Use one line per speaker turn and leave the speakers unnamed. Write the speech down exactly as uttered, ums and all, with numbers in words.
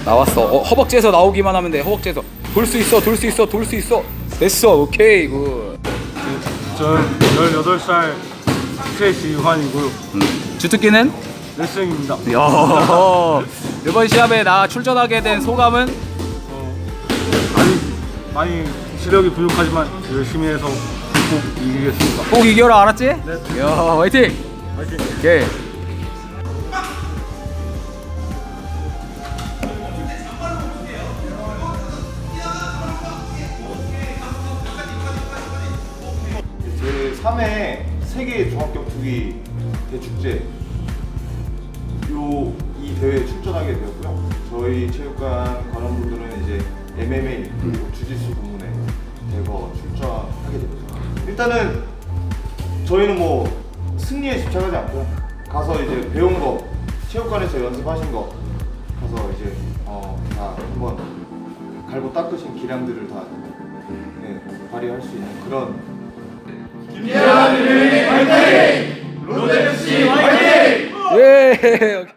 나왔어. 어, 허벅지에서 나오기만 하면 돼. 허벅지에서 돌 수 있어, 돌 수 있어, 돌 수 있어. 됐어. 오케이 굿.
저는 열여덟 살 최지환이고요.
음. 주특기는?
레슬링입니다.
야. 이번 시합에 나 출전하게 된 소감은?
어, 많이 많이 시력이 부족하지만 열심히 해서 꼭 이기겠습니다.
꼭 이겨라, 알았지?
네.
야, 화이팅!
화이팅!
오케이.
제삼 회 세계 종합격투기 대축제 요 이 대회에 출전하게 되었고요. 저희 체육관 관원분들은 이제 엠엠에이 그리고 주짓수 부문에 대거 출전하게 됩니다. 일단은 저희는 뭐 승리에 집착하지 않고요. 가서 이제 배운 거, 체육관에서 연습하신 거 가서 이제 어, 다 한번 갈고 닦으신 기량들을 다 네, 발휘할 수 있는 그런
김재환 화이팅! 롯데에프씨 화이팅!
예.